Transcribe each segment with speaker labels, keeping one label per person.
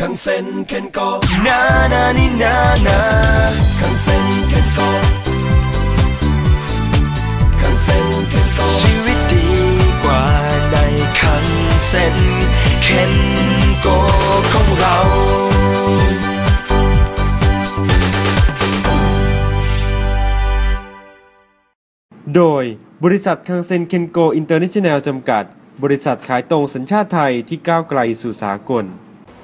Speaker 1: คังเซ็นเคนโกนานานี่นานาคังเซ็นเคนโกคังเซ็นเคนโกชีวิตดีกว่าในคังเซ็นเคนโกของเรา
Speaker 2: โดยบริษัทคังเซ็นเคนโกอินเตอร์เนชั่นแนลจำกัดบริษัทขายตรงสัญชาติไทยที่ก้าวไกลสู่สากล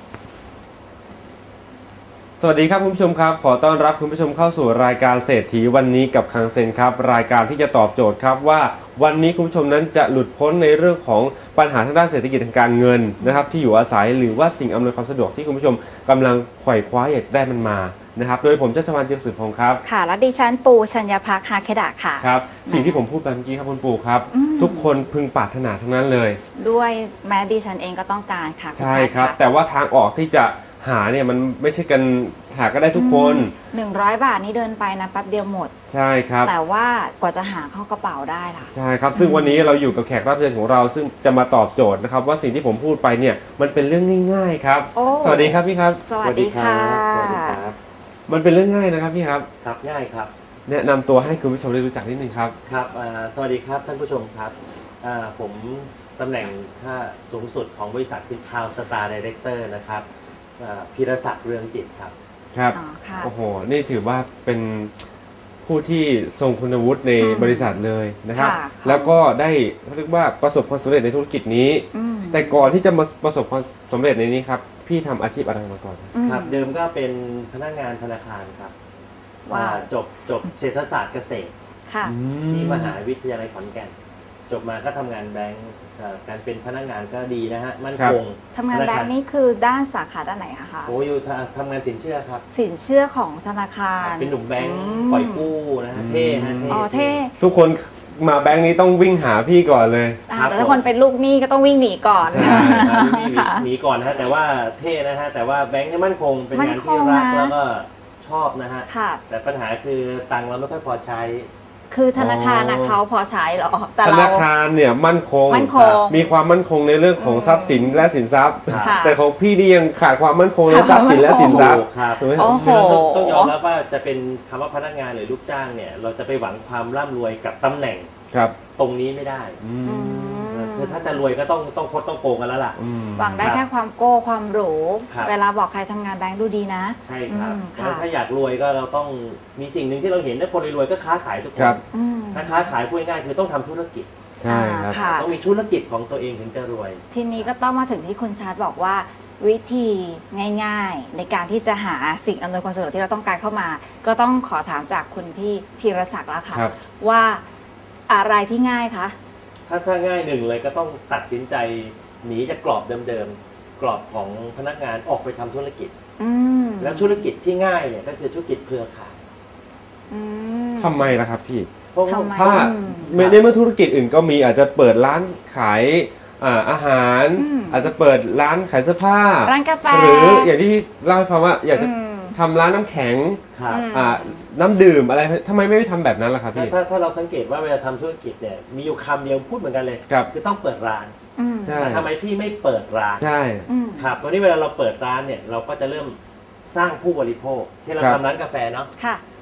Speaker 2: สวัสดีครับคุณผู้ชมครับขอต้อนรับคุณผู้ชมเข้าสู่รายการเศรษฐีวันนี้กับคังเซ็นครับรายการที่จะตอบโจทย์ครับว่าวันนี้คุณผู้ชมนั้นจะหลุดพ้นในเรื่องของปัญหาทางด้านเศรษฐกิจทางการเงินนะครับที่อยู่อาศัยหรือว่าสิ่งอำนวยความสะดวกที่คุณผู้ชมกำลังไขว่คว้าอยากได้มันมานะครับโดยผมชัชวาล เจียมสืบพงศ์ครับ
Speaker 3: ค่ะและดิฉันปูชัญญภักดิ์ฮาเคดะค่ะ
Speaker 2: ครับสิ่งที่ผมพูดไปเมื่อกี้ครับคุณปูครับทุกคนพึงปรารถนาทั้งนั้นเลย
Speaker 3: ด้วยแม้ดิฉันเองก็ต้องการค่ะ
Speaker 2: ใช่ครับแต่ว่าทางออกที่จะหาเนี่ยมันไม่ใช่กันหาก็ได้ทุกคน
Speaker 3: 100 บาทนี้เดินไปนะแป๊บเดียวหมด
Speaker 2: ใช่ครับ
Speaker 3: แต่ว่ากว่าจะหาเข้ากระเป๋าได้ล่ะ
Speaker 2: ใช่ครับซึ่งวันนี้เราอยู่กับแขกรับเชิญของเราซึ่งจะมาตอบโจทย์นะครับว่าสิ่งที่ผมพูดไปเนี่ยมันเป็นเรื่องง่ายๆครับสวัสดีครับพี่ครับ
Speaker 3: สวัสดีค่ะ
Speaker 2: มันเป็นเรื่องง่ายนะครับพี่ครับ
Speaker 4: ครับง่ายครับ
Speaker 2: แนะนำตัวให้คุณผู้ชมได้รู้จักนิดนึงครับ
Speaker 4: ครับสวัสดีครับท่านผู้ชมครับผมตำแหน่งค่าสูงสุดของบริษัทคือชาวสตาร์ไดเรคเตอร์นะครับพีรศักดิ์เรืองจิตครับ
Speaker 2: ครับโอ้โหนี่ถือว่าเป็นผู้ที่ทรงคุณวุฒิในบริษัทเลยนะครับแล้วก็ได้เรียกว่าประสบความสำเร็จในธุรกิจนี้แต่ก่อนที่จะมาประสบความสำเร็จในนี้ครับพี่ทำอาชีพอะไรมาก่อน
Speaker 4: ครับเดิมก็เป็นพนักงานธนาคารครับจบเศรษฐศาสตร์เกษตรที่มหาวิทยาลัยขอนแก่นจบมาก็ทำงานแบงก์การเป็นพนักงานก็ดีนะฮะมั่นคง
Speaker 3: ทำงานแบงก์นี่คือด้านสาขาด้านไหนอะคะ
Speaker 4: โอ้อยู่ทำงานสินเชื่อครับ
Speaker 3: สินเชื่อของธนาคาร
Speaker 4: เป็นหนุ่มแบงก์ปล่อยกู้นะฮะเท่ฮะ
Speaker 3: เท่
Speaker 2: ทุกคนมาแบงก์นี้ต้องวิ่งหาพี่ก่อนเลย
Speaker 3: แต่ถ้าคนเป็นลูกหนี้ก็ต้องวิ่งหนีก่อน
Speaker 4: หนีก่อนนะฮะแต่ว่าเท่นะฮะแต่ว่าแบงก์นี่มั่นคงเป็นงานที่รักแล้วก็ชอบนะฮะแต่ปัญหาคือตังค์เราไม่ค่อยพอใช้
Speaker 3: คือธนาคารนะเขาพอใช้หรอ
Speaker 2: แต่ธนาคารเนี่ยมั่นคงมีความมั่นคงในเรื่องของทรัพย์สินและสินทรัพย์แต่ของพี่นี่ยังขาดความมั่นคงในทรัพย์สินและสินทรัพย์
Speaker 4: ต้องยอมรับว่าจะเป็นคำว่าพนักงานหรือลูกจ้างเนี่ยเราจะไปหวังความร่ำรวยกับตำแหน่งตรงนี้ไม่ได้คือถ้าจะรวยก็ต้องคดต้องโกงกันแล้วล่ะ
Speaker 3: หวังได้แค่ความโก้ความหรูเวลาบอกใครทำงานแบงค์ดูดีนะ
Speaker 4: ใช่ครับแล้วถ้าอยากรวยก็เราต้องมีสิ่งหนึ่งที่เราเห็นว่าคนรวยก็ค้าขายทุกคนถ้าค้าขายพูดง่ายคือต้องทำธุรกิจ
Speaker 2: ใช่ครับ
Speaker 4: ต้องมีธุรกิจของตัวเองถึงจะรวย
Speaker 3: ทีนี้ก็ต้องมาถึงที่คุณชาร์ตบอกว่าวิธีง่ายๆในการที่จะหาสิ่งอำนวยความสะดวกที่เราต้องการเข้ามาก็ต้องขอถามจากคุณพี่พีรศักดิ์แล้วค่ะว่าอะไรที่ง่ายคะ
Speaker 4: ถ้าง่ายหนึ่งเลยก็ต้องตัดสินใจหนีจากกรอบเดิมๆกรอบของพนักงานออกไปทำธุรกิจแล้วธุรกิจที่ง่ายเนี่ยก็คือธุรกิจเครือข่าย
Speaker 2: ทำไมล่ะครับพี่ถ้าในเมื่อธุรกิจอื่นก็มีอาจจะเปิดร้านขายอาหารอาจจะเปิดร้านขายเสื้อผ้า
Speaker 3: ร้านกาแฟ
Speaker 2: หรืออย่างที่เล่าให้ฟังว่าอยากจะทำร้านน้ำแข็งน้ำดื่มอะไรทำไมไม่ไปทำแบบนั้นล่ะครับพี่
Speaker 4: ถ้าเราสังเกตว่าเวลาทำธุรกิจเนี่ยมีอยู่คำเดียวพูดเหมือนกันเลยคือต้องเปิดร้านแต่ทำไมพี่ไม่เปิดร้าน
Speaker 2: ใช่
Speaker 4: ครับวันนี้เวลาเราเปิดร้านเนี่ยเราก็จะเริ่มสร้างผู้บริโภคที่เราทำร้านกาแฟเนาะ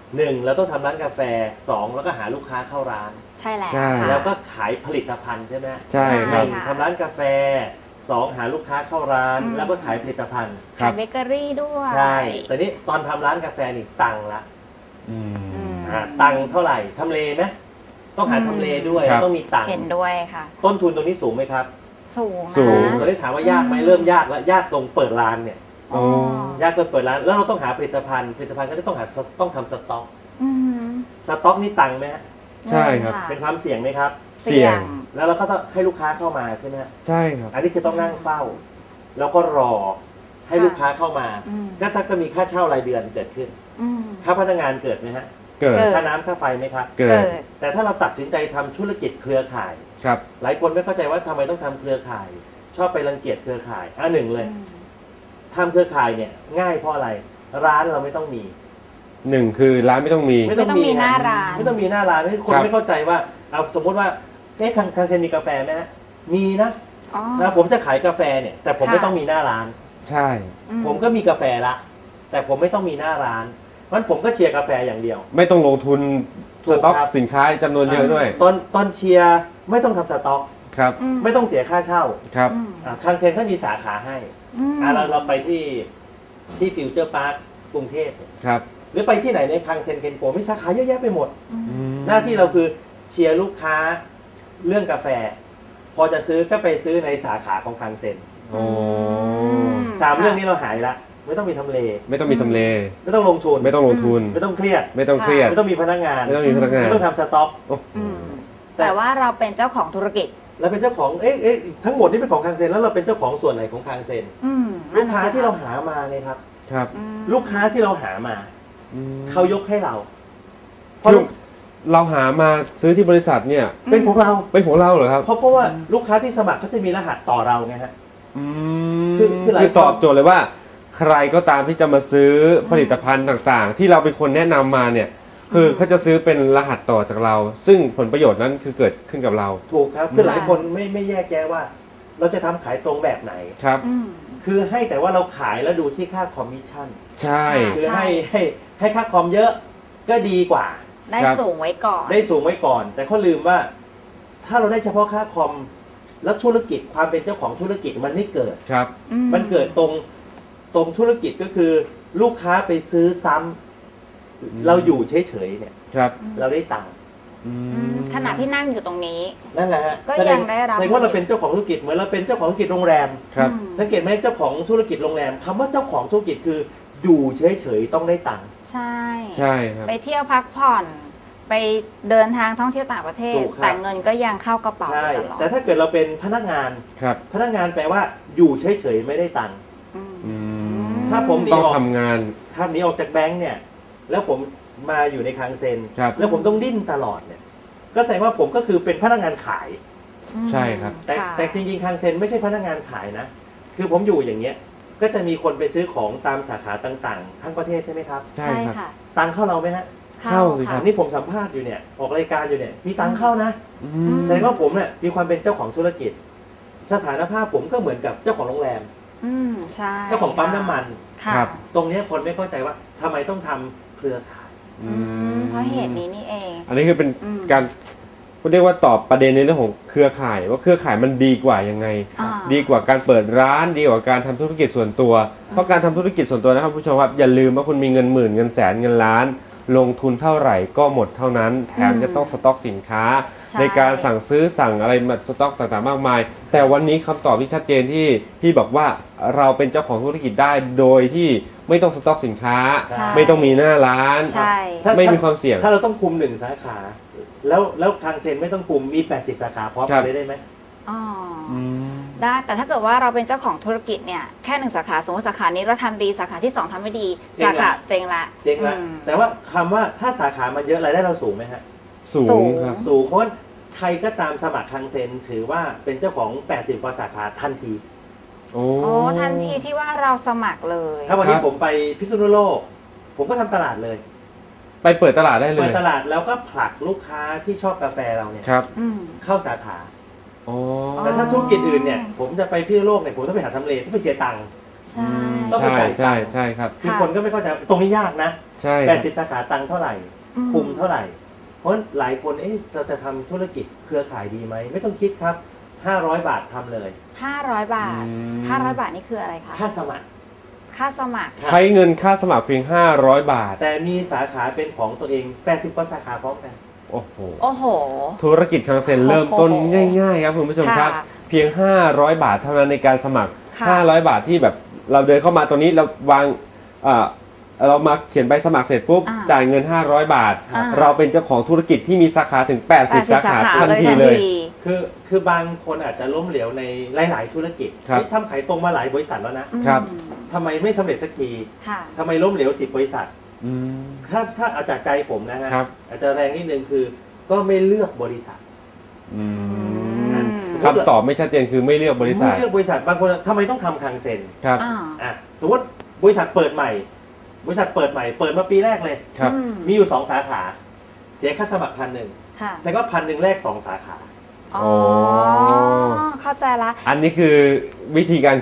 Speaker 4: 1เราต้องทำร้านกาแฟ2แล้วก็หาลูกค้าเข้าร้าน
Speaker 3: ใช่แล้ว
Speaker 4: แล้วก็ขายผลิตภัณฑ์ใช่ไหม
Speaker 2: ใช่
Speaker 4: ทำร้านกาแฟ2หาลูกค้าเข้าร้านแล้วก็ขายผลิตภัณฑ์
Speaker 3: ขายเบเกอรี่ด้วย
Speaker 4: ใช่แต่นี้ตอนทำร้านกาแฟนี่ตังละตังเท่าไหร่ทำเลไหมต้องหาทำเลด้วยต้องมีตัง
Speaker 3: เห็นด้วยค่ะ
Speaker 4: ต้นทุนตรงนี้สูงไหมครับ
Speaker 3: สูง
Speaker 4: เราได้ถามว่ายากไหมเริ่มยากแล้วยากตรงเปิดร้านเนี่ยยากตรงเปิดร้านแล้วเราต้องหาผลิตภัณฑ์ก็ต้องทำสต็อกสต็อกนี่ตังไหม
Speaker 2: ใช่ครับ
Speaker 4: เป็นความเสี่ยงไหมครับ
Speaker 3: เสี่ยง
Speaker 4: แล้วเราก็ต้องให้ลูกค้าเข้ามาใช่ไหม
Speaker 2: ใช่ครับ
Speaker 4: อันนี้คือต้องนั่งเฝ้าแล้วก็รอให้ลูกค้าเข้ามาก็มีค่าเช่ารายเดือนเกิดขึ้นค่าพนักงานเกิดไหมฮะ
Speaker 2: เกิด
Speaker 4: ค่าน้ำค่าไฟไหมครับ
Speaker 2: เกิด
Speaker 4: แต่ถ้าเราตัดสินใจทำธุรกิจเครือข่าย
Speaker 2: ครับ
Speaker 4: หลายคนไม่เข้าใจว่าทำไมต้องทำเครือข่ายชอบไปรังเกียจเครือข่ายหนึ่งเลยทำเครือข่ายเนี่ยง่ายเพราะอะไรร้านเราไม่ต้องมี
Speaker 2: 1คือร้านไม่ต้องมี
Speaker 3: หน้าร้าน
Speaker 4: ไม่ต้องมีหน้าร้านคนไม่เข้าใจว่าเอาสมมติว่าทางเซนมีกาแฟไหมฮะมีนะผมจะขายกาแฟเนี่ยแต่ผมไม่ต้องมีหน้าร้าน
Speaker 2: ใช่
Speaker 4: ผมก็มีกาแฟละแต่ผมไม่ต้องมีหน้าร้านเพราะฉะนั้นผมก็เชียร์กาแฟอย่างเดียว
Speaker 2: ไม่ต้องลงทุน
Speaker 4: ถู
Speaker 2: ส
Speaker 4: ก
Speaker 2: ต็อก
Speaker 4: ครับ
Speaker 2: สินค้าจำนวนเยอะด้วย
Speaker 4: ตอนเชียร์ไม่ต้องทำสต็อก
Speaker 2: ครับ
Speaker 4: ไม่ต้องเสียค่าเช่า
Speaker 2: ครับ
Speaker 4: คังเซ็นเขามีสาขาให้เราไปที่ฟิวเจอร์พาร์คกรุงเทพ
Speaker 2: ครับ
Speaker 4: หรือไปที่ไหนในคังเซ็นเคนโกมีสาขาเยอะแยะไปหมด หน้าที่เราคือเชียร์ลูกค้าเรื่องกาแฟ พอจะซื้อก็ไปซื้อในสาขาของคังเซ็น
Speaker 2: โอ้
Speaker 4: 3 เรื่องนี้เราหายละไม่ต้องมีทำเล
Speaker 2: ไม่ต้องมีทำเล
Speaker 4: ไม่ต้องลงทุน
Speaker 2: ไม่ต้องลงทุน
Speaker 4: ไม่ต้องเครียด
Speaker 2: ไม่ต้องเครียด
Speaker 4: ไม่ต้องมีพนักงาน
Speaker 2: ไม่ต้องมีพนักงาน
Speaker 4: ไม่ต้องทำสต็อก
Speaker 3: แต่ว่าเราเป็นเจ้าของธุรกิจ
Speaker 4: เราเป็นเจ้าของทั้งหมดนี่เป็นของคังเซ็นแล้วเราเป็นเจ้าของส่วนไหนของคังเซ็นลูกค้าที่เราหามาเนี่ยครับ
Speaker 2: ครับ
Speaker 4: ลูกค้าที่เราหามา เขายกให้เราเพ
Speaker 2: คือ
Speaker 4: ราะ
Speaker 2: เราหามาซื้อที่บริษัทเนี่ย
Speaker 4: เป็นของเรา
Speaker 2: เป็นของเราเหรอครับ
Speaker 4: เพราะว่าลูกค้าที่สมัครเขาจะมีรหัสต่อเราไงฮะ คือหลาย
Speaker 2: คือตอบโจทย์เลยว่า ใครก็ตามที่จะมาซื้อผลิตภัณฑ์ต่างๆ ที่เราเป็นคนแนะนำมาเนี่ยคือเขาจะซื้อเป็นรหัสต่อจากเรา ซึ่งผลประโยชน์นั้นคือเกิดขึ้นกับเรา
Speaker 4: ถูกครับคือหลายคนไม่แยกแยะว่า เราจะทำขายตรงแบบไหน
Speaker 2: ครับ
Speaker 4: คือให้แต่ว่าเราขายแล้วดูที่ค่าคอมมิชชั่น
Speaker 2: ใช่
Speaker 4: คือให้ค่าคอมเยอะก็ดีกว่า
Speaker 3: ได้สูงไว้ก่อน
Speaker 4: ได้สูงไว้ก่อน แต่เขาลืมว่า ถ้าเราได้เฉพาะค่าคอมแล้วธุรกิจความเป็นเจ้าของธุรกิจมันไม่เกิด
Speaker 2: ครับ
Speaker 4: มันเกิดตรงธุรกิจก็คือ ลูกค้าไปซื้อซ้ำเราอยู่เฉยๆเนี่ย
Speaker 2: ครับ
Speaker 4: เราได้ตังค์
Speaker 3: ขณะที่นั่งอยู่ตรงนี้
Speaker 4: นั่นแหละฮะ
Speaker 3: ก็ยังได้รับ
Speaker 4: แสดงว่าเราเป็นเจ้าของธุรกิจเหมือนเราเป็นเจ้าของธุรกิจโรงแรม
Speaker 2: ครับ
Speaker 4: สังเกตไหมเจ้าของธุรกิจโรงแรมคำว่าเจ้าของธุรกิจคืออยู่เฉยๆต้องได้ตังค์
Speaker 3: ใช่
Speaker 2: ใช่ครับ
Speaker 3: ไปเที่ยวพักผ่อน ไปเดินทางท่องเที่ยวต่างประเทศ
Speaker 4: ถูกครับ
Speaker 3: แต่เงินก็ยังเข้ากระเป๋า
Speaker 4: ใช่
Speaker 3: ตลอด
Speaker 4: แต่ถ้าเกิดเราเป็นพนักงาน
Speaker 2: ครับ
Speaker 4: พนักงานแปลว่าอยู่เฉยๆไม่ได้ตังค์
Speaker 2: อืม
Speaker 4: ถ้าผมหนี
Speaker 2: ต้อง
Speaker 4: ออก
Speaker 2: ทำงาน
Speaker 4: ถ้าหนีออกจากแบงค์เนี่ยแล้วผมมาอยู่ในคังเซ็น
Speaker 2: ครับ
Speaker 4: แล้วผมต้องดิ้นตลอดเนี่ยก็แสดงว่าผมก็คือเป็นพนักงานขาย
Speaker 2: ใช่ครับ
Speaker 4: แต่จริงๆคังเซ็นไม่ใช่พนักงานขายนะ คือผมอยู่อย่างเงี้ยก็จะมีคนไปซื้อของตามสาขาต่างๆ ทั้งประเทศใช่ไหมครับ
Speaker 2: ใช่
Speaker 3: ใช่
Speaker 2: ครับ
Speaker 3: ค่ะ
Speaker 4: ตังค์เข้าเราไหมฮะ
Speaker 2: เข้าสิครับ
Speaker 4: นี่ผมสัมภาษณ์อยู่เนี่ยออกรายการอยู่เนี่ยมีตังค์เข้านะ
Speaker 2: อืม
Speaker 4: แสดงว่าผมเนี่ยมีความเป็นเจ้าของธุรกิจ สถานภาพผมก็เหมือนกับเจ้าของโรงแรม
Speaker 3: ใช่
Speaker 4: เจ้าของปั๊มน้ำมัน
Speaker 3: ค่ะ
Speaker 2: ครับ
Speaker 4: ตรงเนี้ยคนไม่เข้าใจว่าทำไมต้องทำเครือข่าย
Speaker 3: เพราะเหตุนี้นี่เอง
Speaker 2: อันนี้คือเป็น
Speaker 3: อืม
Speaker 2: การเรียกว่าตอบประเด็นในเรื่องของเครือข่าย ว่าเครือข่ายมันดีกว่ายังไง
Speaker 3: อ่า
Speaker 2: ดีกว่าการเปิดร้านดีกว่าการทำธุรกิจส่วนตัว เพราะการทำธุรกิจส่วนตัวนะครับผู้ชมครับอย่าลืมว่าคุณมีเงินหมื่นเงินแสนเงินล้าน ลงทุนเท่าไหร่ก็หมดเท่านั้น แถมจะต้องสต็อกสินค้า
Speaker 3: ใช่
Speaker 2: ในการสั่งซื้อสั่งอะไรมาสต็อกต่างๆมากมาย แต่วันนี้คำตอบที่ชัดเจนที่พี่บอกว่าเราเป็นเจ้าของธุรกิจได้โดยที่ไม่ต้องสต็อกสินค้า
Speaker 3: ใช่
Speaker 2: ไม่ต้องมีหน้าร้าน
Speaker 3: ใช่
Speaker 2: ไม่มีความเสี่ยง
Speaker 4: ถ้าเราต้องคุม1 สาขา แล้วคังเซ็นไม่ต้องคุมมี80 สาขาพร้อม
Speaker 2: ครั
Speaker 4: กับ นได้ไหม
Speaker 3: อ๋อได้แต่ถ้าเกิดว่าเราเป็นเจ้าของธุรกิจเนี่ยแค่1 สาขาสมมติสาขานี้เราทำดีสาขาที่ 2ทำไม่ดี
Speaker 4: เจ๊ง
Speaker 3: สา
Speaker 4: ละ
Speaker 3: ขาเจ๊งละ
Speaker 4: เจ๊งละ
Speaker 3: อืม
Speaker 4: แต่ว่าคำว่าถ้าสาขามันเยอะรายได้เราสูงไหมฮะ
Speaker 2: สู
Speaker 3: สู
Speaker 2: ง
Speaker 3: ง
Speaker 2: ครับ
Speaker 4: สูงเพราะว่าใครก็ตามสมัครคังเซ็นถือว่าเป็นเจ้าของ80 กว่าสาขาทันที
Speaker 2: โอ้
Speaker 3: โอ้ทันทีที่ว่าเราสมัครเลย
Speaker 4: ถ้าวันนี้
Speaker 2: ครับ
Speaker 4: ผมไปพิษณุโลก ผมก็ทำตลาดเลย
Speaker 2: ไปเปิดตลาดได้เล
Speaker 4: เปิ
Speaker 2: ย
Speaker 4: ดตลาดแล้วก็ผลักลูกค้าที่ชอบกาแฟเราเนี่ย
Speaker 2: ครับ
Speaker 3: อืม
Speaker 4: เข้าสาขา
Speaker 2: โอ้
Speaker 4: แต่ถ้าธุรกิจอื่นเนี่ยผมจะไปพิษณุโลกเนี่ยผมต้องไปหาทำเลต้องไปเสียตังค์
Speaker 3: ใช่
Speaker 4: ต้องไป
Speaker 2: ใช่
Speaker 4: จ่ายตั
Speaker 2: ใช่
Speaker 4: งค์
Speaker 2: ใช่ครับ
Speaker 4: คือคนก็ไม่เข้าใจตรงนี้ยากนะ
Speaker 2: ใช่ครับ
Speaker 4: 80 สาขาตังค์เท่าไหร่ คุมเท่าไหร่ เพราะหลายคนเราจะทำธุรกิจเครือข่ายดีไหม ไม่ต้องคิดครับ 500 บาททำเลย
Speaker 3: 500 บาท 500 บาทนี่คืออะไรคะ
Speaker 4: ค่าสมัคร
Speaker 3: ค่าสมัคร
Speaker 2: ใช้เงินค่าสมัครเพียง 500 บาท
Speaker 4: แต่มีสาขาเป็นของตัวเอง 80 กว่าสาขาพร้อมกัน
Speaker 2: โอ้โห
Speaker 3: โอ้โห
Speaker 2: ธุรกิจคังเซ็นเริ่มต้นง่ายๆครับคุณผู้ชมครับ
Speaker 3: ค่ะ
Speaker 2: เพียง 500 บาทเท่านั้นในการสมัคร
Speaker 3: ค่ะ
Speaker 2: 500 บาทที่แบบเราเดินเข้ามาตรงนี้เราวางเรามาเขียนใบสมัครเสร็จปุ๊บ จ่ายเงิน 500 บาท เราเป็นเจ้าของธุรกิจที่มีสาขาถึง 80 สาขาทันทีเลย
Speaker 4: คือบางคนอาจจะล้มเหลวในหลาย ๆ ธุรกิจ
Speaker 2: ครับ
Speaker 4: ที่ทำขายตรงมาหลายบริษัทแล้วนะ
Speaker 2: ครับ
Speaker 4: ทำไมไม่สำเร็จสักที
Speaker 3: ค่ะ
Speaker 4: ทำไมล้มเหลว10 บริษัท
Speaker 2: อืม
Speaker 4: ถ้าเอาจากใจผมนะฮะ
Speaker 2: ครับ
Speaker 4: อาจจะแรงนิดนึงคือก็ไม่เลือกบริษัท
Speaker 2: อืม
Speaker 3: อืม
Speaker 2: คำตอบไม่ชัดเจนคือไม่เลือกบริษัท
Speaker 4: ไม่เลือกบริษัทบางคนทำไมต้องทำคังเซ็น
Speaker 2: ครับ
Speaker 4: สมมติบริษัทเปิดใหม่ เปิดมาปีแรกเลย
Speaker 2: ครับ
Speaker 4: มีอยู่ 2 สาขา เสียค่าสมัคร1,000
Speaker 3: ค่ะ
Speaker 4: แสดงว่า1,000แรก2 สาขา
Speaker 3: อ๋อ เข้าใจละ
Speaker 2: อันนี้คือวิธีการคิด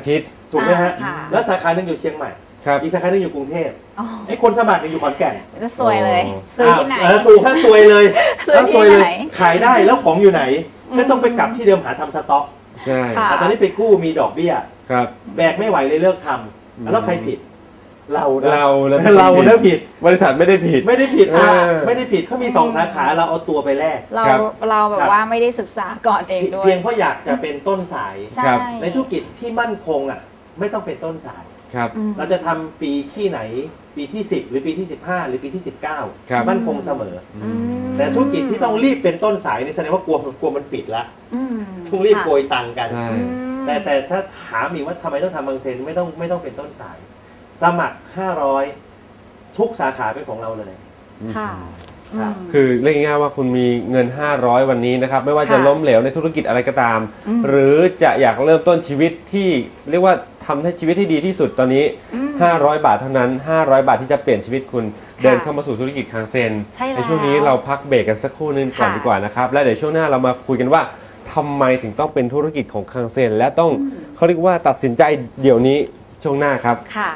Speaker 4: ถูกไหมฮะ
Speaker 3: ค่ะ
Speaker 4: แล้วสาขาหนึ่งอยู่เชียงใหม่
Speaker 2: ครับ
Speaker 4: อีกสาขาหนึ่งอยู่กรุงเทพ
Speaker 3: อ๋อ
Speaker 4: ไอ้คนสมัครเนี่ยอยู่ขอนแก่น
Speaker 3: จะสวยเลยซื้อที่ไหน
Speaker 4: ถูกถ้าซวยเลย
Speaker 3: ซื้อ
Speaker 4: ถ้าซวยเลย
Speaker 3: ที่ไหน
Speaker 4: ขายได้แล้วของอยู่ไหนก็ต้องไปกลับที่เดิมหาทำสต็อก
Speaker 2: ใช่
Speaker 3: ค่ะ
Speaker 4: แต่ตอนนี้ไปกู้มีดอกเบี้ย
Speaker 2: ครับ
Speaker 4: แบกไม่ไหวเลยเลิกทำแล้วใครผิด เรานะ
Speaker 2: เรานะ
Speaker 4: เรานะผิด
Speaker 2: บริษัทไม่ได้ผิด
Speaker 4: ไม่ได้ผิดค่ะ
Speaker 2: เออ
Speaker 4: ไม่ได้ผิดเขามีสองสาขาเราเอาตัวไปแลก
Speaker 3: เรา
Speaker 2: ครับ
Speaker 3: เราแบบว่าไม่ได้ศึกษาก่อนเองด้วย
Speaker 4: เพียงเพราะอยากจะเป็นต้นสาย
Speaker 3: ใช่
Speaker 2: ครับ
Speaker 4: ในธุรกิจที่มั่นคงอ่ะไม่ต้องเป็นต้นสาย
Speaker 2: ครับ
Speaker 3: อืม
Speaker 4: เราจะทำปีที่ไหนปีที่ 10 หรือปีที่ 15 หรือปีที่
Speaker 2: ครับ
Speaker 4: 19 มั่นคงเสมอ
Speaker 3: อืม
Speaker 4: แต่ธุรกิจที่ต้องรีบเป็นต้นสายนี่แสดงว่ากลัวมันปิดละ
Speaker 3: อืม
Speaker 4: ต้องรีบโก
Speaker 3: ค่ะ
Speaker 4: ยตังค์กัน
Speaker 2: ใช่
Speaker 3: อืม
Speaker 4: แต่ถ้าถามอีกว่าทำไมต้องทำบางเซนไม่ต้องเป็นต้นสาย สมัคร 500 ทุกสาขาเป็นของเราเลย
Speaker 3: ค่ะ
Speaker 4: ครับ
Speaker 3: ม
Speaker 2: คือเรียกง่ายๆว่าคุณมีเงิน 500 วันนี้นะครับ ไม่ว่าจะ
Speaker 3: ค่ะ
Speaker 2: ล้มเหลวในธุรกิจอะไรก็ตาม
Speaker 3: อืม
Speaker 2: หรือจะอยากเริ่มต้นชีวิตที่เรียกว่าทำให้ชีวิตที่ดีที่สุดตอนนี้
Speaker 3: อืม
Speaker 2: 500 บาทเท่านั้น 500 บาทที่จะเปลี่ยนชีวิตคุณ
Speaker 3: ค่ะ
Speaker 2: เดินเข้ามาสู่ธุรกิจคางเซน
Speaker 3: ใช่แล้ว
Speaker 2: ช่วงนี้เราพักเบรกกันสักครู่นึงก่อน
Speaker 3: ค่ะ
Speaker 2: ดีกว่านะครับ และเดี๋ยวช่วงหน้าเรามาคุยกันว่าทำไมถึงต้องเป็นธุรกิจของคางเซนและต้องเขาเรียกว่าตัดสินใจเดี๋ยวนี้ช่วงหน้าครับ
Speaker 3: ค่ะ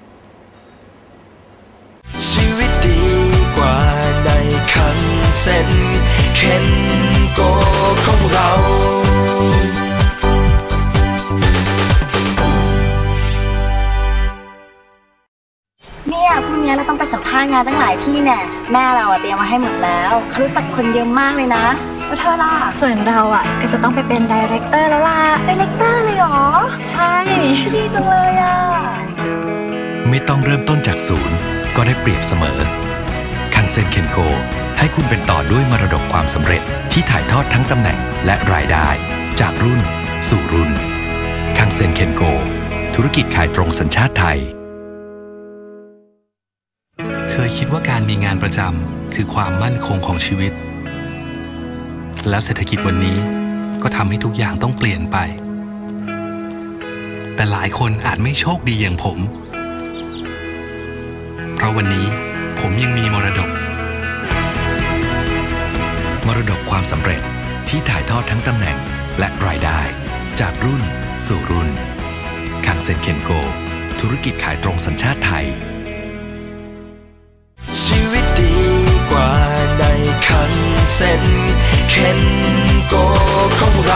Speaker 1: ชีวิตดีกว่าในคันเซ็นเคนโกของเรา
Speaker 5: เนี่ยพรุ่งนี้เราต้องไปสัมภาษณ์งานตั้งหลายที่แน่แม่เราอะเตรียมมาให้หมดแล้วเขารู้จักคนเยอะมากเลยนะแล้วเธอล่ะ
Speaker 6: ส่วนเราอ่ะก็จะต้องไปเป็นดีเรคเตอร์แล้วล่ะ
Speaker 5: ไดเรคเตอร์เลยเหรอ
Speaker 6: ใช่
Speaker 5: ดีจังเลยอ่ะ
Speaker 7: ไม่ต้องเริ่มต้นจากศูนย์ก็ได้เปรียบเสมอ คังเซ็นเคนโกให้คุณเป็นต่อด้วยมรดกความสำเร็จที่ถ่ายทอดทั้งตำแหน่งและรายได้ จากรุ่นสู่รุ่น คังเซ็นเคนโกธุรกิจขายตรงสัญชาติไทย เคยคิดว่าการมีงานประจำคือความมั่นคงของชีวิต แล้วเศรษฐกิจวันนี้ก็ทำให้ทุกอย่างต้องเปลี่ยนไป แต่หลายคนอาจไม่โชคดีอย่างผม เพราะวันนี้ผมยังมีมรดก มรดกความสำเร็จที่ถ่ายทอดทั้งตำแหน่งและรายได้ จากรุ่นสู่รุ่น คังเซ็นเคนโกธุรกิจขายตรงสัญชาติไทย
Speaker 1: ชีวิตดีกว่าในคันเซ็นเคนโกของเรา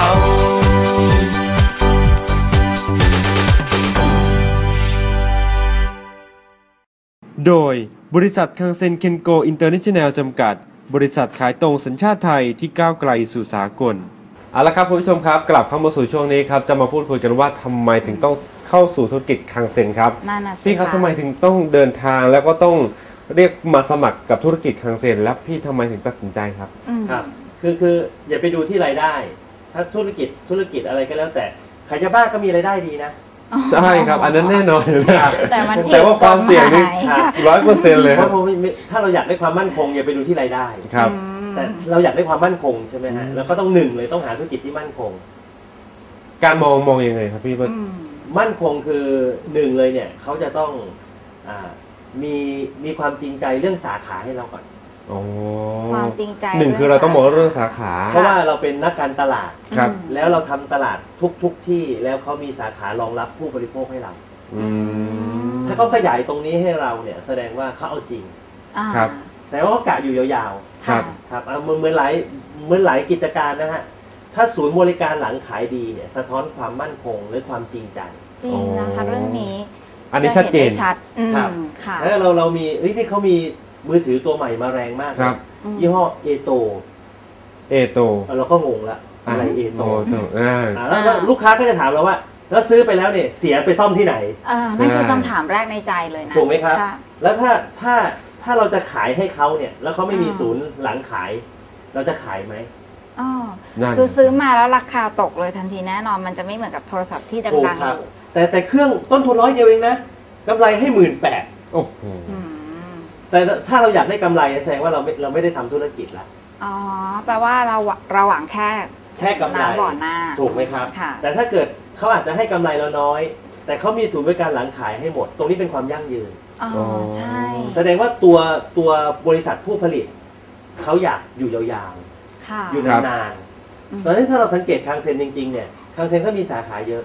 Speaker 2: โดยบริษัทคังเซ็นเคนโกอินเตอร์เนชั่นแนลจำกัด บริษัทขายตรงสัญชาติไทยที่ก้าวไกลสู่สากลเอาละครับคุณผู้ชมครับกลับเข้ามาสู่ช่วงนี้ครับจะมาพูดคุยกันว่าทำไมถึงต้องเข้าสู่ธุรกิจคังเซ็นครับ
Speaker 3: นั่นน่ะสิ
Speaker 2: พี่ครับ
Speaker 3: ะ
Speaker 2: ทำไมถึงต้องเดินทางแล้วก็ต้องเรียกมาสมัครกับธุรกิจคังเซ็นและพี่ทำไมถึงตัดสินใจครับ
Speaker 3: อืม
Speaker 4: ครับคืออย่าไปดูที่รายได้ ถ้าธุรกิจอะไรก็แล้วแต่ขายยาบ้าก็มีรายได้ดีนะ
Speaker 2: ใช่ครับ อันนั้นแน่นอนอยู่แล้ว
Speaker 3: แต่มันผิด
Speaker 2: แต่ว่าความเสี่ยงนี่
Speaker 3: กฎหมาย
Speaker 4: ครับ
Speaker 2: 100%เลย
Speaker 4: เพ
Speaker 2: ครับ
Speaker 4: ราะถ้าเราอยากได้ความมั่นคงอย่าไปดูที่รายได้
Speaker 2: ครับ
Speaker 4: แต่เราอยากได้ความมั่นคงใช่ไหมฮะแล้วก็ต้องหนึ่งเลยต้องหาธุรกิจที่มั่นคง
Speaker 2: การมองยังไงครับพี่ว่า
Speaker 3: อืม
Speaker 4: มั่นคงคือหนึ่งเลยเนี่ยเขาจะต้องอามีความจริงใจเรื่องสาขาให้เราก่อน
Speaker 2: อ๋อ
Speaker 3: ความจริงใจ
Speaker 2: หนึ่งคือเราต้องมองเรื่องสาขา
Speaker 4: เพราะว่าเราเป็นนักการตลาด
Speaker 2: ครับ
Speaker 4: แล้วเราทำตลาดทุกที่แล้วเขามีสาขารองรับผู้บริโภคให้เรา
Speaker 2: อืม
Speaker 4: ถ้าเขาขยายตรงนี้ให้เราเนี่ยแสดงว่าเขาเอาจริง
Speaker 3: อ่า
Speaker 2: ครับ
Speaker 4: แสดงว่าเขากะอยู่ยาว
Speaker 2: ครั
Speaker 3: ค่ะ
Speaker 2: บ
Speaker 4: ๆครับเหมือนหลายกิจการนะฮะถ้าศูนย์บริการหลังขายดีเนี่ยสะท้อนความมั่นคงหรือความจริงใจ
Speaker 3: จริงนะคะเรื่องนี้
Speaker 2: อันนี้ชัดเจน
Speaker 3: ะห็ไชัดอืม
Speaker 4: ครับ
Speaker 3: ค่ะ
Speaker 4: แล้วเรามีที่เขามีมือถือตัวใหม่มาแรงมาก
Speaker 2: ครับ
Speaker 4: ยี่ห้อเอโต
Speaker 2: เอโต
Speaker 4: เราก็งงละอะไรเอโต
Speaker 2: โตอ่า
Speaker 4: แล้วลูกค้าก็จะถามเราว่าแล้วซื้อไปแล้วเนี่ยเสียไปซ่อมที่ไหน
Speaker 3: นั่นคือ
Speaker 2: ใช่
Speaker 3: คำถามแรกในใจเลยนะ
Speaker 4: ถูกไหมครับ
Speaker 3: ะ
Speaker 4: แล้วถ้าเราจะขายให้เขาเนี่ยแล้วเขาไม่มีศูนย์หลังขาย เราจะขายไหม
Speaker 3: อ๋อ
Speaker 2: นั่น
Speaker 3: คือซื้อมาแล้วราคาตกเลยทันทีแน่นอนมันจะไม่เหมือนกับโทรศัพท์ที่
Speaker 4: ถูก
Speaker 3: ดังๆ
Speaker 4: ค
Speaker 3: อ
Speaker 4: รับ
Speaker 3: ยู่
Speaker 4: แต่เครื่องต้นทุน100 เดียวเองนะกำไรให้18,000
Speaker 2: โอ้โห
Speaker 3: อืม
Speaker 4: แต่ถ้าเราอยากได้กำไรแสดงว่าเราไม่ได้ทำธุรกิจละ
Speaker 3: อ๋อแปลว่าเราหวังแค่
Speaker 4: แค่กำไร
Speaker 3: น้ำบ่อหน้า
Speaker 4: ถูกไหมครับ
Speaker 3: ค่ะ
Speaker 4: แต่ถ้าเกิดเขาอาจจะให้กำไรเราน้อย แต่เขามีศูนย์บริการหลังขายให้หมด ตรงนี้เป็นความยั่งยืน
Speaker 3: อ๋อใช่
Speaker 4: แสดงว่าตัวบริษัทผู้ผลิตเขาอยากอยู่ยาว
Speaker 3: ค่ะ
Speaker 4: ๆอยู่
Speaker 2: ครับ
Speaker 4: นาน
Speaker 3: อืม
Speaker 4: ๆตอนนี้ถ้าเราสังเกตคังเซ็นจริงๆเนี่ยคังเซ็นก็มีสาขาเยอะ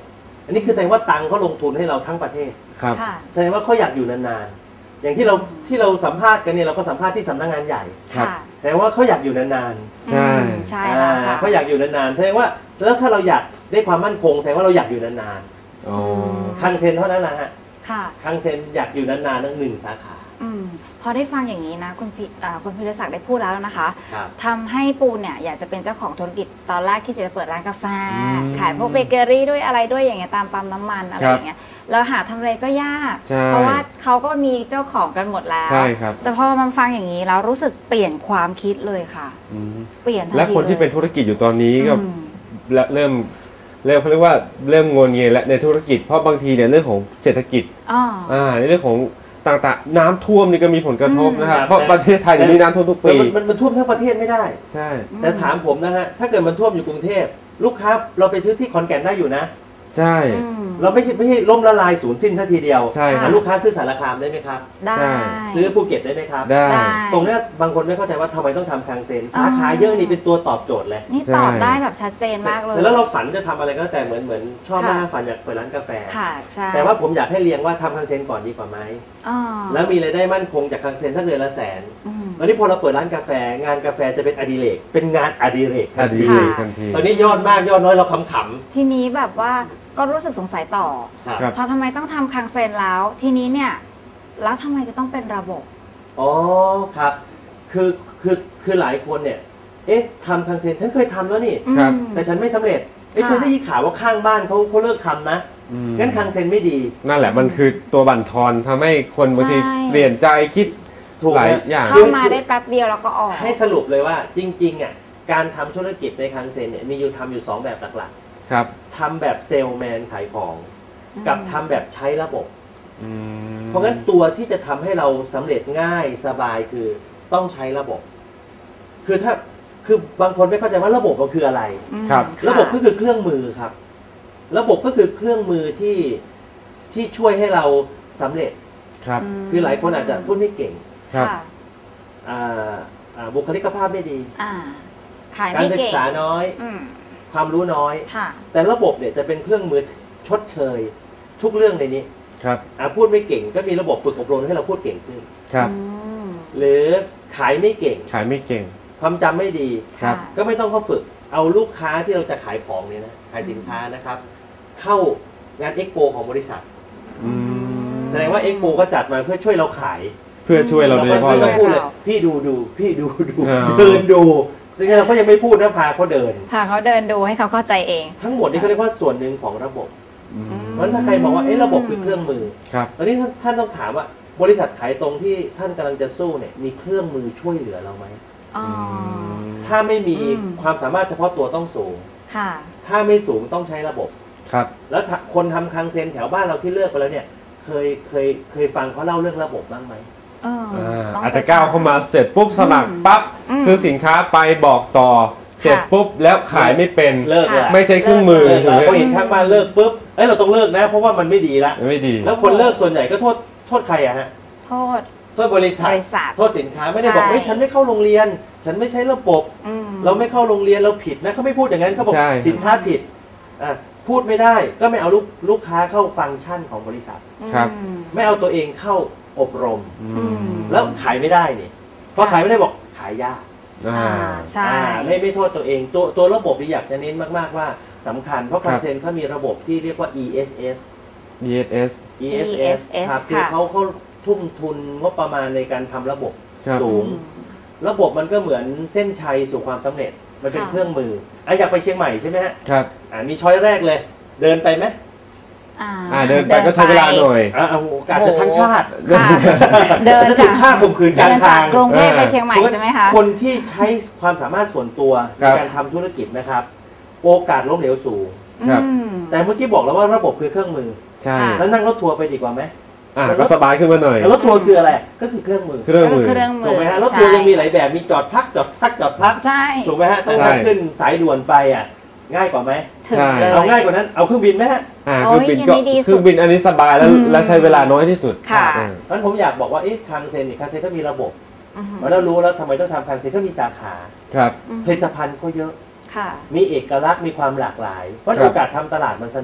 Speaker 4: อันนี้คือแสดงว่าตังเขาลงทุนให้เราทั้งประเทศ
Speaker 2: ครับ
Speaker 3: ค่ะ
Speaker 4: แสดงว่าเขาอยากอยู่นานๆอย่างที่เราสัมภาษณ์กันเนี่ยเราก็สัมภาษณ์ที่สำนักงานใหญ่
Speaker 2: ครับ
Speaker 3: ค่ะ
Speaker 4: แต่ว่าเขาอยากอยู่นาน
Speaker 2: ใช่
Speaker 3: ใช่
Speaker 4: ๆ
Speaker 3: แล้วค่ะ
Speaker 4: เขาอยากอยู่นานๆแสดงว่าแล้วถ้าเราอยากได้ความมั่นคงแสดงว่าเราอยากอยู่นาน
Speaker 2: อ๋อ
Speaker 4: ๆคังเซ็นเท่านั้นนะฮะ
Speaker 3: ค่ะ
Speaker 4: คังเซ็นอยากอยู่นานๆทั้ง1 สาขา
Speaker 3: พอได้ฟังอย่างนี้นะคุณพิรศักดิ์ได้พูดแล้วนะคะ
Speaker 4: ครับ
Speaker 3: ทำให้ปูเนี่ยอยากจะเป็นเจ้าของธุรกิจตอนแรกที่จะเปิดร้านกาแฟ
Speaker 2: อืม
Speaker 3: ขายพวกเบเกอรี่ด้วยอะไรด้วยอย่างเงี้ยตามปั๊มน้ำมันอะไร
Speaker 2: ครับ
Speaker 3: อย่างเงี้ยแล้วหาทำเลก็ยาก
Speaker 2: ใช่
Speaker 3: เพราะว่าเขาก็มีเจ้าของกันหมดแล้ว
Speaker 2: ใช่ครับ
Speaker 3: แต่พอมันฟังอย่างนี้แล้วรู้สึกเปลี่ยนความคิดเลยค่ะ
Speaker 2: อืม
Speaker 3: เปลี่ยนทันที
Speaker 2: และคนที่เป็น
Speaker 3: ลย
Speaker 2: ธุรกิจอยู่ตอนนี้ก็
Speaker 3: อืม
Speaker 2: เริ่มเขาเรียกว่าเริ่มงนเงียและในธุรกิจเพราะบางทีเนี่ยเรื่องของเศรษฐกิจ
Speaker 3: อ๋อ
Speaker 2: ในเรื่องของต่างๆน้ำท่วมนี่ก็มีผลกระทบนะครับ
Speaker 4: อืม
Speaker 2: เพราะประเทศไทยเนี่ยมีน้ำท่วมทุก
Speaker 4: แต่
Speaker 2: ปี
Speaker 4: มันท่วมทั้งประเทศไม่ได้
Speaker 2: ใช่
Speaker 4: แต่ถามผมนะฮะถ้าเกิดมันท่วมอยู่กรุงเทพลูกค้าเราไปซื้อที่ขอนแก่นได้อยู่นะ
Speaker 2: ใช่
Speaker 4: เราไม่ใช่ล้มละลายศูนย์สิ้นทันทีเดียว
Speaker 2: ใช่ครับ
Speaker 4: ลูกค้าซื้อสารคามได้ไหมครับ
Speaker 3: ได้
Speaker 2: ใช่
Speaker 4: ซื้อภูเก็ตได้ไหมครับ
Speaker 2: ได้
Speaker 3: ได้
Speaker 4: ตรงเนี้ยบางคนไม่เข้าใจว่าทำไมต้องทำคังเซ็นสาขาเยอะนี่เป็นตัวตอบโจทย์เลย
Speaker 3: นี่ตอบได้แบบชัดเจนมากเลย
Speaker 4: เสร็จแล้วเราฝันจะทำอะไรก็แล้วแต่เหมือนชอบ
Speaker 3: ค่ะ
Speaker 4: มากฝันอยากเปิดร้านกาแฟ
Speaker 3: ค่ะใช่
Speaker 4: แต่ว่าผมอยากให้เรียงว่าทำคังเซ็นก่อนดีกว่าไหม
Speaker 3: อ๋อ
Speaker 4: แล้วมีรายได้มั่นคงจากคังเซ็นถ้าเดือนละแสน
Speaker 3: อืม
Speaker 4: ตอนนี้พอเราเปิดร้านกาแฟงานกาแฟจะเป็นอดิเรกเป็นงานอดิเรก
Speaker 2: อดี
Speaker 3: ค่ะ
Speaker 2: ทันที
Speaker 4: ตอนนี้ยอดมากยอดน้อยเราขำ
Speaker 3: ทีนี้แบบว่าก็รู้สึกสงสัยต่อ
Speaker 4: ๆครับ
Speaker 2: ครับ
Speaker 3: เพราะทำไมต้องทำคังเซนแล้ว ทีนี้เนี่ย แล้วทำไมจะต้องเป็นระบบ
Speaker 4: อ๋อครับคือหลายคนเนี่ยเอ๊ะทำคังเซ็นฉันเคยทำแล้วนี่
Speaker 2: ครับ
Speaker 3: อืม
Speaker 4: แต่ฉันไม่สำเร็จเอ๊ะ
Speaker 3: ค่ะ
Speaker 4: ฉันได้ยินข่าวว่าข้างบ้านเขาเลิกทำนะ
Speaker 2: อืม
Speaker 4: งั้นคังเซ็นไม่ดี
Speaker 2: นั่นแหละมันคือตัวบั่นทอนทำให้คนบางที
Speaker 3: ใช่
Speaker 2: เปลี่ยนใจคิด
Speaker 4: ถูก
Speaker 2: หลาย
Speaker 4: นะ
Speaker 2: อย่าง
Speaker 3: เข้ามาได้แป๊บเดียวแล้วก็ออก
Speaker 4: ให้สรุปเลยว่าจริงๆอ่ะการทำธุรกิจในคังเซ็นเนี่ยมีอยู่ทำอยู่ 2 แบบหลัก
Speaker 2: ครับ
Speaker 4: ๆทำแบบเซลแมนขายของ กับทำแบบใช้ระบบ
Speaker 2: อืม
Speaker 4: เพราะงั้นตัวที่จะทำให้เราสำเร็จง่ายสบายคือต้องใช้ระบบ คือบางคนไม่เข้าใจว่าระบบมันคืออะไร
Speaker 2: ครับ
Speaker 4: ระบบก็คือเครื่องมือครับ ระบบก็คือเครื่องมือที่ช่วยให้เราสำเร็จ
Speaker 2: ครับ
Speaker 4: คือหลายคนอาจจะพูดไม่เก่ง
Speaker 2: ครับ
Speaker 3: ค่ะ
Speaker 4: บุคลิกภาพไม่ดี
Speaker 3: อ่าขาย
Speaker 4: การ
Speaker 3: ไม่
Speaker 4: ศึก
Speaker 3: เก่ง
Speaker 4: ษาน้อย
Speaker 3: อืม
Speaker 4: ความรู้น้อย
Speaker 3: ค่ะ
Speaker 4: แต่ระบบเนี่ยจะเป็นเครื่องมือชดเชย ทุกเรื่องในนี้
Speaker 2: ครับ
Speaker 4: พูดไม่เก่งก็มีระบบฝึกอบรมให้เราพูดเก่งขึ้น
Speaker 2: ครับ
Speaker 3: อืม
Speaker 4: หรือขายไม่เก่ง
Speaker 2: ขายไม่เก่ง
Speaker 4: ความจำไม่ดี
Speaker 2: ครับ
Speaker 4: ก็ไม่ต้องเข้าฝึกเอาลูกค้าที่เราจะขายของเนี่ยนะขายสินค้านะครับ เข้างานเอ็กโปของบริษัท
Speaker 2: อืม
Speaker 4: แสดงว่าเอ็กโปก็จัดมาเพื่อช่วยเราขาย
Speaker 2: เพื่อช่วยเราโดยเฉพาะ
Speaker 4: ก็
Speaker 2: เล
Speaker 4: ต้อง
Speaker 2: ย
Speaker 4: พูดเลยพี่ดูพี่ดู
Speaker 2: อ่า
Speaker 4: เดินดูจริงๆเราก็ยังไม่พูดนะพาเขาเดิน
Speaker 3: พาเขาเดินดูให้เขาเข้าใจเอง
Speaker 4: ทั้งหมดนี้เขาเรียกว่าส่วนหนึ่งของระบบ
Speaker 2: อืม
Speaker 4: เพราะฉะนั้นถ้าใครมองว่าเอ๊ะระบบคือเครื่องมือ
Speaker 2: ครับ
Speaker 4: ตอนนี้ท่านต้องถามว่าบริษัทขายตรงที่ท่านกำลังจะสู้เนี่ยมีเครื่องมือช่วยเหลือเราไหม
Speaker 3: อ๋อ
Speaker 4: ถ้าไม่มี
Speaker 3: อืม
Speaker 4: ความสามารถเฉพาะตัวต้องสูง
Speaker 3: ค่ะ
Speaker 4: ถ้าไม่สูงต้องใช้ระบบ
Speaker 2: ครับ
Speaker 4: แล้วคนทำคังเซนแถวบ้านเราที่เลิกไปแล้วเนี่ยเคยฟังเขาเล่าเรื่องระบบบ้างไหม
Speaker 3: เออต้ง
Speaker 2: อาจจะก้าวเข้ามาเสร็จปุ๊บสมัครปั๊บ
Speaker 3: อืม
Speaker 2: ซื้อสินค้าไปบอกต่อ เสร็จปุ๊บแล้วขายไม่เป็น
Speaker 4: เลิกเลย
Speaker 2: ไม่ใช่เครื่องมือ
Speaker 4: เลิก
Speaker 2: ถูกไหม
Speaker 4: พอเห็นข้างบ้านเลิกปุ๊บเอ้ยเราต้องเลิกนะ เพราะว่ามันไม่ดีละ
Speaker 2: ไม่ดี
Speaker 4: แล้วคนเลิกส่วนใหญ่ก็โทษใครอะฮะ
Speaker 3: โทษ
Speaker 4: โทษบริษัท
Speaker 3: บริษัท
Speaker 4: โทษสินค้าไม่ได้บอก
Speaker 3: ใช่
Speaker 4: เฮ้ยฉันไม่เข้าโรงเรียน ฉันไม่ใช้ระบบ
Speaker 3: อืม
Speaker 4: เราไม่เข้าโรงเรียนเราผิดนะเขาไม่พูดอย่างนั้นเขาบอก
Speaker 2: ใช่
Speaker 4: สินค้าผิดอ่ะพูดไม่ได้ก็ไม่เอาลูกค้าเข้าฟังก์ชันของบริษัท
Speaker 2: ครับ
Speaker 3: อืม
Speaker 4: ไม่เอาตัวเองเข้าอบรม
Speaker 2: อื
Speaker 3: อื
Speaker 2: ม
Speaker 3: ม
Speaker 4: แล้วขายไม่ได้นี่พอขายไม่ได้บอกขายยาก
Speaker 2: อ่า
Speaker 3: ใช่
Speaker 4: ไม่โทษตัวเองตัวระบบที่อยากจะเน้นมากๆว่าสำคัญเพราะ
Speaker 2: ครั
Speaker 4: คั
Speaker 2: บ
Speaker 4: นเซนเขามีระบบที่เรียกว่า ESS
Speaker 2: ESS
Speaker 3: ESS
Speaker 4: ครับคือ
Speaker 3: ค่ะ
Speaker 4: เขาทุ่มทุนงบประมาณในการทำระบบ
Speaker 2: ครับ
Speaker 4: สูง ระบบมันก็เหมือนเส้นชัยสู่ความสำเร็จ มันเป็น
Speaker 3: ค่ะ
Speaker 4: เครื่องมืออยากไปเชียงใหม่ใช่ไหมฮะ
Speaker 2: ครับ
Speaker 4: มีช้อยแรกเลย เดินไปไหม
Speaker 2: เดินไปก็ใช้เวลาหน่อย
Speaker 4: เอาโอกาสจะทั้งชาติ
Speaker 3: ค่ะ เดิน
Speaker 4: จะถู
Speaker 3: จาก
Speaker 4: กฆ่าข่มขืนก
Speaker 3: เดิ
Speaker 4: ลาง
Speaker 3: นจา
Speaker 4: ทาก ง
Speaker 3: กรุงเทพไปเชียงใหม่ใช่ไหมคะ
Speaker 4: คนที่ใช้ความสามารถส่วนตัว
Speaker 2: ค
Speaker 4: ใน
Speaker 2: รับ
Speaker 4: การทำธุรกิจนะครับ โอกาสล้มเหลวสูง
Speaker 2: ครับ
Speaker 3: อืม
Speaker 4: แต่เมื่อกี้บอกแล้วว่าระบบคือเครื่องมือ
Speaker 2: ใช่
Speaker 3: ค่ะ
Speaker 4: แล้วนั่งรถทัวร์ไปดีกว่าไหม
Speaker 2: ก็สบายขึ้นมาหน่อย
Speaker 4: แล้วรถทัวร์คืออะไรก็คือเครื่องมือ
Speaker 2: เครื่องมือ
Speaker 3: เครื่องมื
Speaker 4: ถู
Speaker 3: อก
Speaker 4: ไหมฮะรถทัวร์ยังมีหลายแบบมีจอดพักจอดพัก
Speaker 3: ใช่
Speaker 4: ถูกไหมฮะต้อง
Speaker 2: ใช่
Speaker 4: ขึ้นสายด่วนไปง่ายกว่าไหม
Speaker 3: ถึงเลย
Speaker 4: เอาง่ายกว่านั้นเอาเครื่องบินไหมฮะ
Speaker 2: เครื่องบินก็
Speaker 3: โอ้ยยังไม่ดีสุด
Speaker 2: เครื่องบินอันนี้สบายแล้ว
Speaker 3: อืม
Speaker 2: และใช้เวลาน้อยที่สุด
Speaker 3: ค่ะ
Speaker 2: อ่า
Speaker 4: งั้นผมอยากบอกว่าคังเซนก็มีระบบ
Speaker 3: อืม
Speaker 4: เรารู้แล้วทำไมต้องทำคังเซนก็มีสาขา
Speaker 2: ครับ
Speaker 4: ผลิตภัณฑ์ก็เยอะ
Speaker 3: ค่ะ
Speaker 4: มีเอกลักษณ์มีความหลากหลายเพราะ
Speaker 2: ครับ
Speaker 4: โอกาสทำตลาดมันสนุก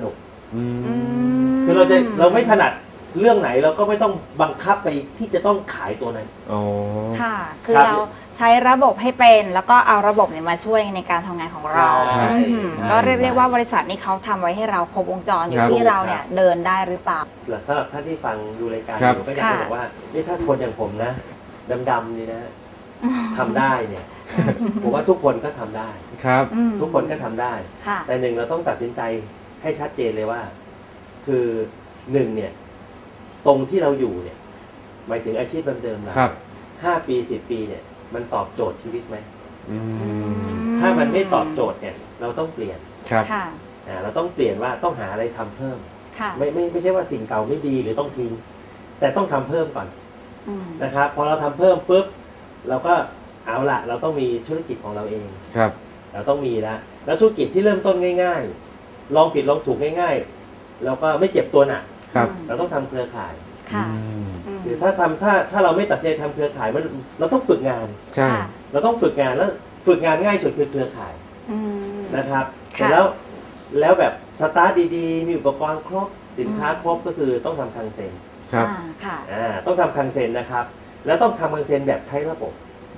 Speaker 4: คือเราไม่ถนัดเรื่องไหนเราก็ไม่ต้องบังคับไปที่จะต้องขายตัวนั้น
Speaker 3: ค่ะคือเราใช้ระบบให้เป็นแล้วก็เอาระบบเนี่ยมาช่วยในการทำงานของเราก็เรียกได้ว่าบริษัทนี้เขาทำไว้ให้เราครบวงจรอยู่ที่เราเนี่ยเดินได้หรือเปล่า
Speaker 4: สำหรับท่านที่ฟังดูรายการอยู่ก็อยากจะบอกว่านี่ถ้าคนอย่างผมนะดำๆนี่นะทำได้เนี่ยผมว่าทุกคนก็ทำได้
Speaker 2: ครับ
Speaker 4: ทุกคนก็ทำได้แต่หนึ่งเราต้องตัดสินใจให้ชัดเจนเลยว่าคือหนึ่งเนี่ยตรงที่เราอยู่เนี่ยหมายถึงอาชีพเดิมๆเรา5 ปี10 ปีเนี่ยมันตอบโจทย์ชีวิตไหมถ้ามันไม่ตอบโจทย์เนี่ยเราต้องเปลี่ยนเราต้องเปลี่ยนว่าต้องหาอะไรทำเพิ่มไม่ใช่ว่าสิ่งเก่าไม่ดีหรือต้องทิ้งแต่ต้องทำเพิ่มก่อนนะครับพอเราทำเพิ่มปุ๊บเราก็เอาละเราต้องมีธุรกิจของเราเองเราต้องมีแล้วธุรกิจที่เริ่มต้นง่ายๆลองผิดลองถูกง่ายๆแล้วก็ไม่เจ็บตัวหนักเราต้องทำเครือข่ายหรือถ้าเราไม่ตัดสินใจทำเครือข่ายเราต้องฝึกงานเราต้องฝึกงานแล้วฝึกงานง่ายสุดคือเครือข่ายนะครับเสร็จแล้วแบบสตาร์ทดีๆมีอุปกรณ์ครบสินค้าครบก็คือต้องทำคังเซ็นต้องทำคังเซ็นนะครับแล้วต้องทำคังเซ็นแบบใช้ระบบ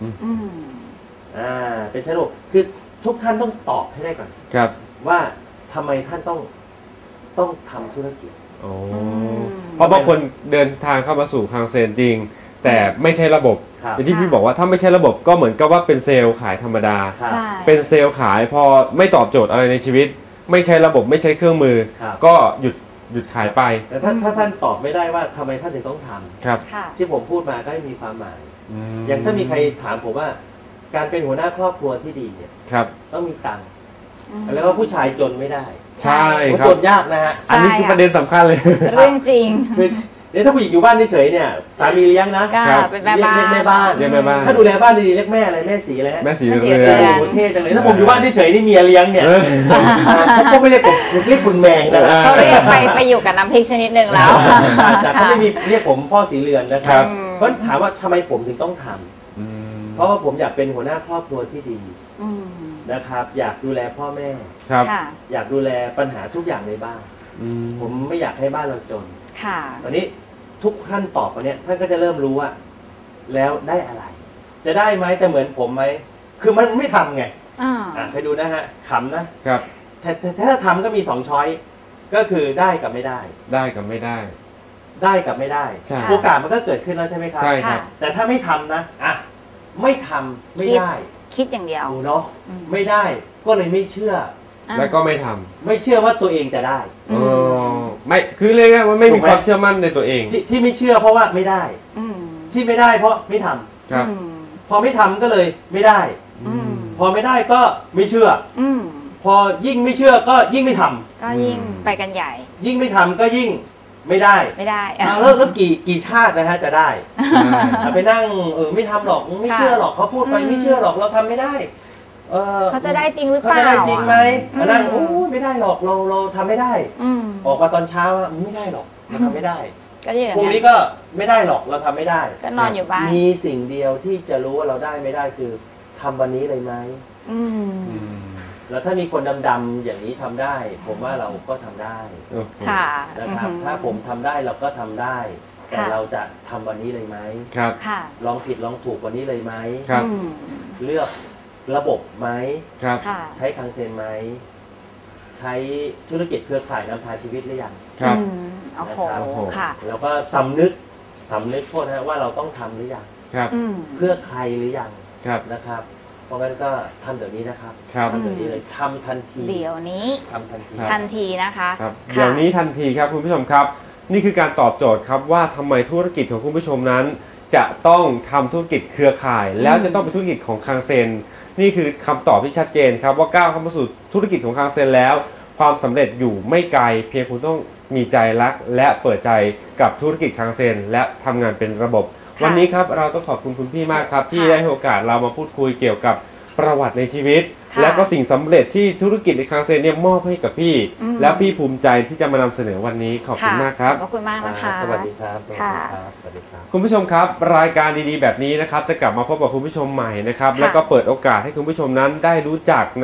Speaker 4: เป็นใช้ระบบคือทุกท่านต้องตอบให้ได้ก่อนว่าทำไมท่านต้องทำธุรกิจ
Speaker 2: เพราะบางคนเดินทางเข้ามาสู่คังเซ็นจริงแต่ไม่ใช่ระบบอย่างที่พี่บอกว่าถ้าไม่ใช่ระบบก็เหมือนกับว่าเป็นเซลล์ขายธรรมดาเป็นเซลล์ขายพอไม่ตอบโจทย์อะไรในชีวิตไม่ใช่ระบบไม่ใช่เครื่องมือก็หยุดขายไป
Speaker 4: แต่ถ้าท่านตอบไม่ได้ว่าทำไมท่านถึงต้องทำที่ผมพูดมาก็ไม่มีความหมายอย่างถ้ามีใครถามผมว่าการเป็นหัวหน้าครอบครัวที่ดีเนี่ยต้องมีตังค์แล้วก็ผู้ชายจนไม่ได้
Speaker 2: ใช่ครับ
Speaker 4: จนยากนะฮะ
Speaker 2: อันนี้คือประเด็นสำคัญเลย
Speaker 3: เรื่องจริง
Speaker 4: คือถ้าผู้หญิงอยู่บ้านเฉยเนี่ยสามีเลี้ยงนะ
Speaker 3: เป็นแม่บ้าน
Speaker 4: เรียกแม่บ้านถ้าดูแลบ้านดีๆเรียกแม่อะไรแม่สีอะไร
Speaker 2: แม่สีเรื
Speaker 4: อนโอ้เท่จังเลยถ้าผมอยู่บ้านเฉยนี่เมียเลี้ยงเนี่ยเขาไม่เรียกผมเรียกคุณแมงนะ
Speaker 3: เขาเรียกไปอยู่กับน้ำพริกชนิดหนึ่งแล้ว
Speaker 4: จากเขาไม่มีเรียกผมพ่อสีเรือนนะครับเพราะถามว่าทำไมผมถึงต้องทำเพราะว่าผมอยากเป็นหัวหน้าครอบครัวที่ดีนะครับอยากดูแลพ่อแม่อยากดูแลปัญหาทุกอย่างในบ้านผมไม่อยากให้บ้านเราจนตอนนี้ทุกท่านตอบมาเนี่ยท่านก็จะเริ่มรู้ว่าแล้วได้อะไร จะได้ไหมจะเหมือนผมไหมคือมันไม่ทำไงไปดูนะฮะขำนะครับถ้าทำก็มี2 ช้อยก็คือได้กับไม่ได้
Speaker 2: ได้กับไม่ได้
Speaker 4: ได้กับไม่ได้โอกาสมันก็เกิดขึ้นแล้วใช่ไหมครับ
Speaker 2: ใช่ครับ
Speaker 4: แต่ถ้าไม่ทำนะไม่ทำไม่ได้
Speaker 3: คิดอย่างเดียว
Speaker 4: เนาะไม่ได้ก็เลยไม่เชื่อ
Speaker 2: แล้วก็ไม่ทำ
Speaker 4: ไม่เชื่อว่าตัวเองจะได้
Speaker 2: ไม่คือเรียกว่าไม่มีความเชื่อมั่นในตัวเอง
Speaker 4: ที่ไม่เชื่อเพราะว่าไม่ได้ที่ไม่ได้เพราะไม่ทำพอไม่ทำก็เลยไม่ได้พอไม่ได้ก็ไม่เชื่อพอยิ่งไม่เชื่อก็ยิ่งไม่ทำ
Speaker 3: ก็ยิ่งไปกันใหญ่
Speaker 4: ยิ่งไม่ทำก็ยิ่งไม่ได้แล้วกี่ชาตินะฮะจะได้ไปนั่งไม่ทำหรอกไม่เชื่อหรอกเขาพูดไปไม่เชื่อหรอกเราทำไม่ได้
Speaker 3: เขาจะได้จริงหรือเปล่า
Speaker 4: เขาจะได้จริงไหมนั่งไม่ได้หรอกเราทำไม่ได้ออกมาตอนเช้าไม่ได้หรอกเราทำไม่ได้พรุ่งนี้ก็ไม่ได้หรอกเราทำไม่ได้
Speaker 3: ก็นอนอยู่บ้าน
Speaker 4: มีสิ่งเดียวที่จะรู้ว่าเราได้ไม่ได้คือทำวันนี้เลยไหมแล้วถ้ามีคนดำๆอย่างนี้ทำได้ผมว่าเราก็ทำได้นะครับถ้าผมทำได้เราก็ทำได้แต่เราจะทำวันนี้เลยไหมลองผิดลองถูกวันนี้เลยไหมเลือกระบบไหมใช้คังเซ็นไหมใช้ธุรกิจเครือข่ายนำพาชีวิตหรือยังนะครับแล้วก็สำนึกโทษนะว่าเราต้องทำหรือยังเพื่อใครหรือยังนะครับเพราะงั้นก็ทำเดี๋ยวนี้นะครับทำเดี๋ยวนี้เลยทำทันที
Speaker 3: เดี๋ยวนี้
Speaker 4: ทำทั
Speaker 3: นทีนะคะ
Speaker 2: เดี๋ยวนี้ทันทีครับคุณผู้ชมครับนี่คือการตอบโจทย์ครับว่าทำไมธุรกิจของคุณผู้ชมนั้นจะต้องทำธุรกิจเครือข่ายแล้วจะต้องเป็นธุรกิจของคังเซ็นนี่คือคำตอบที่ชัดเจนครับว่าก้าวเข้ามาสู่ธุรกิจของคังเซ็นแล้วความสำเร็จอยู่ไม่ไกลเพียงคุณต้องมีใจรักและเปิดใจกับธุรกิจคังเซ็นและทำงานเป็นระบบวันนี้ครับเราต้องขอบคุณคุณพี่มากครับที่ได้ให้โอกาสเรามาพูดคุยเกี่ยวกับประวัติในชีวิตและก็สิ่งสำเร็จที่ธุรกิจในคังเซ็นเนี่ยมอบให้กับพี่แล้วพี่ภูมิใจที่จะมานำเสนอวันนี้ขอบคุณมากครับ
Speaker 3: ขอบคุณมากนะคะ
Speaker 4: สวัสดีครับ
Speaker 2: คุณผู้ชมครับรายการดีๆแบบนี้นะครับจะกลับมาพบกับคุณผู้ชมใหม่นะครับแล้วก็เปิดโอกาสให้คุณผู้ชมนั้นได้รู้จักนะครับ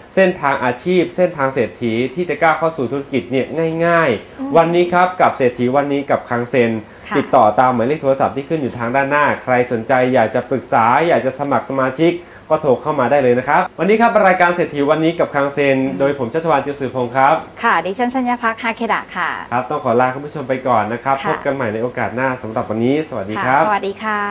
Speaker 2: เส้นทางอาชีพเส้นทางเศรษฐีที่จะก้าวเข้าสู่ธุรกิจเนี่ยง่ายๆวันนี้ครับกับเศรษฐีวันนี้กับคังเซ็นติดต่อตามหมายเลขโทรศัพท์ที่ขึ้นอยู่ทางด้านหน้าใครสนใจอยากจะปรึกษาอยากจะสมัครสมาชิกก็โทรเข้ามาได้เลยนะครับวันนี้ครับรายการเศรษฐีวันนี้กับคังเซ็นโดยผมชัชวาล จิวสือพงศ์ครับ
Speaker 3: ค่ะดิฉันชัญญพักฮาเคดะค่ะ
Speaker 2: ครับต้องขอลาคุณผู้ชมไปก่อนนะครับพบกันใหม่ในโอกาสหน้าสำหรับวันนี้สวัสดีครับ
Speaker 3: สวัสดีค่ะ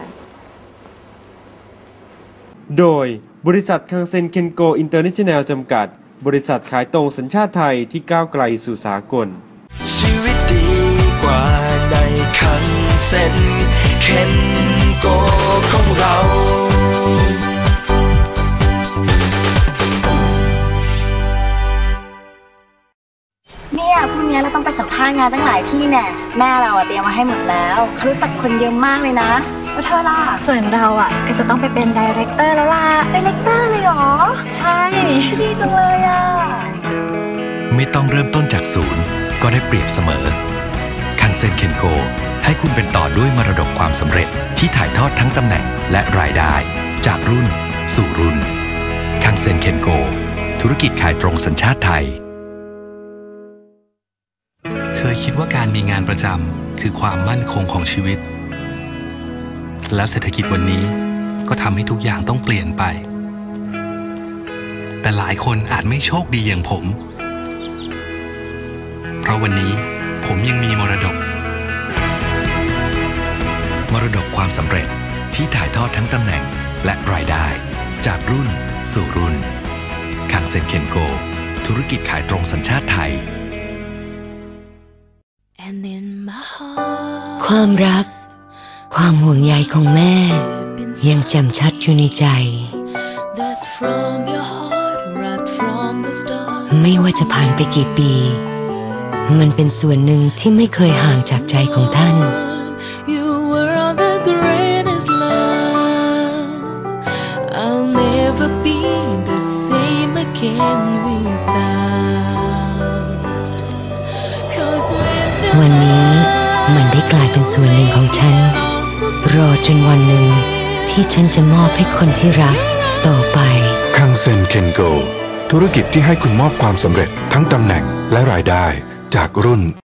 Speaker 2: โดยบริษัทคังเซ็นเคนโกอินเตอร์เนชั่นแนลจำกัดบริษัทขายตรงสัญชาติไทยที่ก้าวไกลสู่สากล
Speaker 1: ชีวิตดีกว่าในคังเซ็นเคนโกของเรา
Speaker 5: เนี่ยพรุ่งนี้เราต้องไปสัมภาษณ์งานตั้งหลายที่แน่แม่เราเตรียมมาให้หมดแล้วเขารู้จักคนเยอะมากเลยนะแล้วเธอล่ะ
Speaker 6: ส่วนเราก็จะต้องไปเป็นไดเรคเตอร์แล้วล่ะ
Speaker 5: ไดเรคเตอร์เลยเหรอ
Speaker 6: ใช่
Speaker 5: ดีจังเลย
Speaker 7: ไม่ต้องเริ่มต้นจากศูนย์ก็ได้เปรียบเสมอคังเซ็นเคนโกให้คุณเป็นต่อด้วยมรดกความสำเร็จที่ถ่ายทอดทั้งตำแหน่งและรายได้จากรุ่นสู่รุ่นคังเซ็นเคนโกธุรกิจขายตรงสัญชาติไทย
Speaker 8: เคยคิดว่าการมีงานประจำคือความมั่นคงของชีวิตแล้วเศรษฐกิจวันนี้ก็ทำให้ทุกอย่างต้องเปลี่ยนไปแต่หลายคนอาจไม่โชคดีอย่างผมเพราะวันนี้ผมยังมีมรดก
Speaker 7: ความสำเร็จที่ถ่ายทอดทั้งตำแหน่งและรายได้จากรุ่นสู่รุ่นคังเซ็นเคนโกธุรกิจขายตรงสัญชาติไทย
Speaker 9: ความรักความห่วงใยของแม่ยังแจ่มชัดอยู่ในใจไม่ว่าจะผ่านไปกี่ปีมันเป็นส่วนหนึ่งที่ไม่เคยห่างจากใจของท่านวันนี้มันได้กลายเป็นส่วนหนึ่งของฉันรอจนวันหนึ่งที่ฉันจะมอบให้คนที่รักต่อไป
Speaker 10: คังเซ็นเคนโกธุรกิจที่ให้คุณมอบความสำเร็จทั้งตำแหน่งและรายได้จากรุ่น